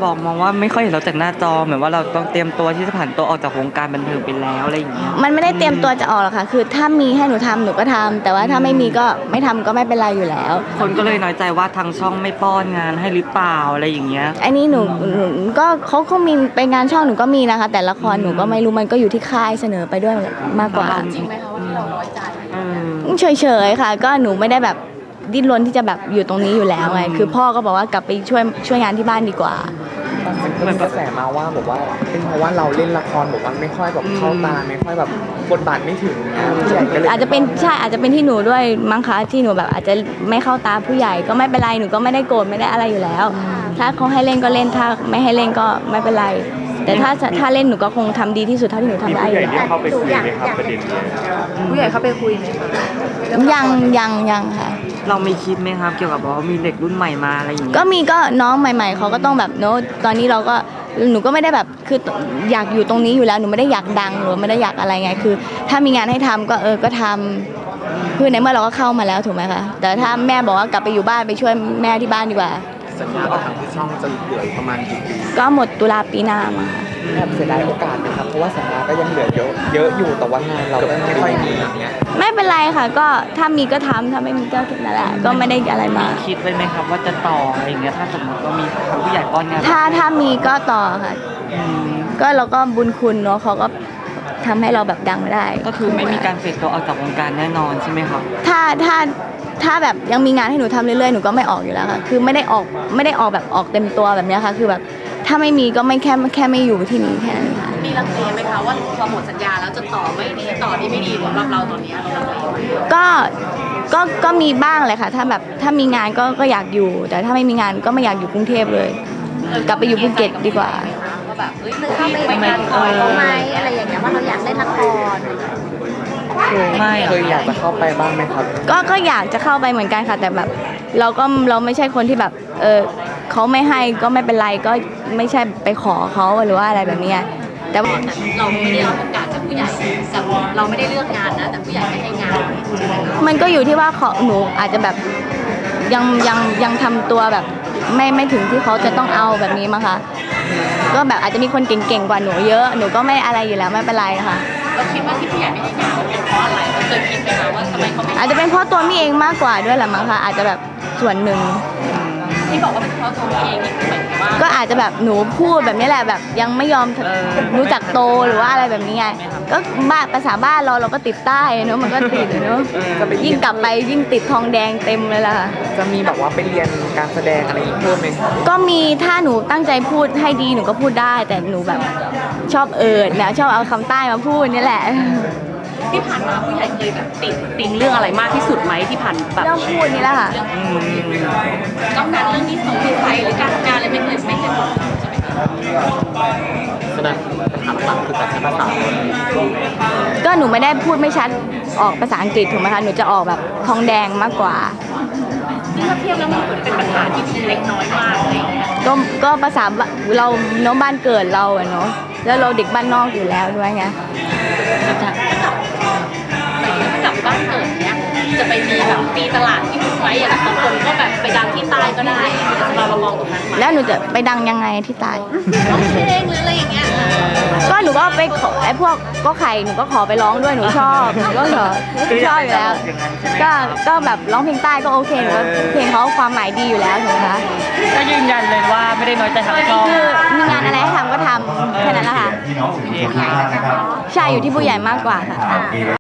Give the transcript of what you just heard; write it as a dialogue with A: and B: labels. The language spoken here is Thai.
A: บอกมองว่าไม่ค่อยเห็นเราจากหน้าจอเหมือนว่าเราต้องเตรียมตัวที่จะผ่านตัวออกจากวงการบันเทิงไปแล้วอะไรอย่างเงี้ย
B: มันไม่ได้เตรียมตัวจะออกหรอกค่ะคือถ้ามีให้หนูทำหนูก็ทำแต่ว่าถ้าไม่มีก็ไม่ทำก็ไม่เป็นไรอยู่แล้ว
A: คนก็เลยน้อยใจว่าทางช่องไม่ป้อนงานให้หรือเปล่าอะไรอย่างเงี้ย
B: อันนี้หนูก็เขามีไปงานช่องหนูก็มีนะคะแต่ละครหนูก็ไม่รู้มันก็อยู่ที่ค่ายเสนอไปด้วยมากกว่า
C: จริงไหมคะว่าที่เราน้อยใจ
B: เฉยๆค่ะก็หนูไม่ได้แบบดิ้นรนที่จะแบบอยู่ตรงนี้อยู่แล้วไงคือพ่อก็บอกว่ากลับไปช่วยงานที่บ้านดีกว่า
D: มันก็มีกระแสมาว่าบอกว่าเป็นเพราะว่าเราเล่นละครบอกว่าไม่ค่อยแบบเข้าตาไม่ค่อยแบบบทบาทไม่ถึงผู้ใหญ่ก็เลย
B: อาจจะเป็นใช่อาจจะเป็นที่หนูด้วยมั้งคะที่หนูแบบอาจจะไม่เข้าตาผู้ใหญ่ก็ไม่เป็นไรหนูก็ไม่ได้โกรธไม่ได้อะไรอยู่แล้วถ้าเขาให้เล่นก็เล่นถ้าไม่ให้เล่นก็ไม่เป็นไรแต่ถ้าเล่นหนูก็คงทำดีที่สุดเท่าที่หนูทำได้อยู่แล้ว
E: เข้าไปคุยไหมครับประเด็นนี้
C: ผู้ใหญ่เข้าไปคุยไหมคะ
B: ยังค่ะ
A: เราไม่คิดไหมครับเกี่ยวกับว่ามีเด็กรุ่นใหม่มาอะไรอย่างเงี้ย
B: ก็มีก็น้องใหม่ๆเขาก็ต้องแบบโน้ตตอนนี้เราก็หนูก็ไม่ได้แบบคืออยากอยู่ตรงนี้อยู่แล้วหนูไม่ได้อยากดังหรือไม่ได้อยากอะไรไงคือถ้ามีงานให้ทำก็ทำคือในเมื่อเราก็เข้ามาแล้วถูกไหมคะแต่ถ้าแม่บอกว่ากลับไปอยู่บ้านไปช่วยแม่ที่บ้านดีกว่า
D: สัญญากับทางที่ช่องจะเหลือประมาณกี่ปี
B: ก็หมดตุลาปีหน้ามา
D: แอบเสียดายโอกาสนะครับเพราะว่าสัญญาก็ยังเหลือเยอะอยู่แต่ว่างานเราก็ไม่ค่อยมีอย่างเงี้ย
B: ไม่เป็นไรค่ะก็ถ้ามีก็ทำถ้าไม่มีก็นั่นแหละก็ไม่ได้อะไรมา
A: คิดไว้ไหมครับว่าจะต่ออะไรอย่างเงี้ยถ้าสมมติว่ามีทางผู้ใหญ่ป้อนงาน
B: ถ้ามีก็ต่อค่ะก็เราก็บุญคุณเนาะเขาก็ทำให้เราแบบดังได้
A: ก็คือไม่มีการเฟดตัวออกจากวงการแน่นอนใช่ไหมครับ
B: ถ้าแบบยังมีงานให้หนูทำเรื่อยๆหนูก็ไม่ออกอยู่แล้วค่ะคือไม่ได้ออกแบบออกเต็มตัวแบบนี้ค่ะคือแบบถ้าไม่มีก็ไม่แค่ไม่อยู่ที่นี่แค่นั้นค่ะ
C: มีลังเลไหมคะว่าพอหมดสัญญาแล้วจะต่อไม่ดีต่อที่ไม่ดีสำหรับเราตอนนี้เราลังเล
B: ก็มีบ้างเลยค่ะถ้ามีงานก็อยากอยู่แต่ถ้าไม่มีงานก็ไม่อยากอยู่กรุงเทพเลยกลับไปอยู่ภูเก็ตดีกว่า
C: ว่าแบบเข้าไปงานคอยเขาไหมอะไรอย่างเงี้ยว่าเราอยากเล่นละคร
A: ไม่
D: เคยอยากจะเข้าไปบ้างไหมครับ
B: ก็อยากจะเข้าไปเหมือนกันค่ะแต่แบบเราไม่ใช่คนที่แบบเขาไม่ให้ก็ไม่เป็นไรก็ไม่ใช่ไปขอเขาหรือว่าอะไรแบบนี้แต่ว่า
C: เราไม่ได้รับโอกาสจากผู้ใหญ่กับเราไม่ได้เลือกงานนะแต่ผู้ใหญ่ไม่ให้งาน
B: มันก็อยู่ที่ว่าหนูอาจจะแบบยังทำตัวแบบไม่ถึงที่เขาจะต้องเอาแบบนี้มั้งคะก็แบบอาจจะมีคนเก่งๆกว่าหนูเยอะหนูก็ไม่อะไรอยู่แล้วไม่เป็นไรค่ะ
C: เราคิดว่าที่ผู้ใหญ่ไม่ให้งานเป็นเพราะอะไรเราเคยคิดไหมคะว่าทำไมเขาไม่
B: อาจจะเป็นเพราะตัวมี่เองมากกว่าด้วยแหละมั้งคะอาจจะแบบส่วนหนึ่ง
C: ที่บอกว่าเป็นเพราะตัวมี่เองนี่คือหมายถึงว่า
B: ก็อาจจะแบบหนูพูดแบบนี้แหละแบบยังไม่ยอมรู้จักโตหรือว่าอะไรแบบนี้ไงก็ภาษาบ้านเราก็ติดใต้เนาะมันก็ติดเนาะยิ่งกลับไปยิ่งติดทองแดงเต็มเลยล่ะ
D: จะมีแบบว่าไปเรียนการแสดงอะไรอีกเพิ่มไหม
B: ก็มีถ้าหนูตั้งใจพูดให้ดีหนูก็พูดได้แต่หนูแบบชอบนะชอบเอาคำใต้มาพูดนี่แหละ
C: ที่ผ่านมาผู้ใหญ่เคยแบบติงเรื่องอะไรมากที่สุดไหมที่ผ่านแบบ
B: เรื่องพูดนี่แหละค่ะ
C: ต้องการเรื่องนี้ส่งที่ใครหรือการทำงานอะไรไม่เคยบอกใช่ไหมคะ
D: แสดงปัญหาหลักคือการใช้ภาษา
B: ก็หนูไม่ได้พูดไม่ชัดออกภาษาอังกฤษถูกไหมคะหนูจะออกแบบทองแดงมากกว่า
C: ซึ่งถ้าเทียบแล้วมันเป็นปัญหาที่เล็กน้อยมากอะไรอย่างเงี้ย
B: ก็ภาษาเราเนาะบ้านเกิดเราอะเนาะแล้วเราเด็กบ้านนอกอยู่แล้วด้วยไง
C: กลับบ้านเกิดเนี้ยจะไปมีแบบตีตลาดที่ไว้อย่างบางคนก็แบบไปดังที่ใต้ก็ได้เรามองตรงนั้น
B: แล้วหนูจะไปดังยังไงที่ใต้
C: ร้องเพลงหรืออะไรอย่างเงี้ย
B: ก็หนูก็ไปขอไอ้พวกก็ไข่หนูก็ขอไปร้องด้วยหนูชอบหนูก็ชอบอยู่แล้วก็แบบร้องเพลงใต้ก็โอเคหนูเพลงเขาความหมายดีอยู่แล้วถูกไหมคะ
A: ก็ยืนยันเลยว่าไม่ได้น้อยใจทางช่อง
B: คือมีงานอะไรให้ทำก็ทำแค่นั้นแหละค่ะใช่อยู่ที่ผู้ใหญ่มากกว่าค่ะ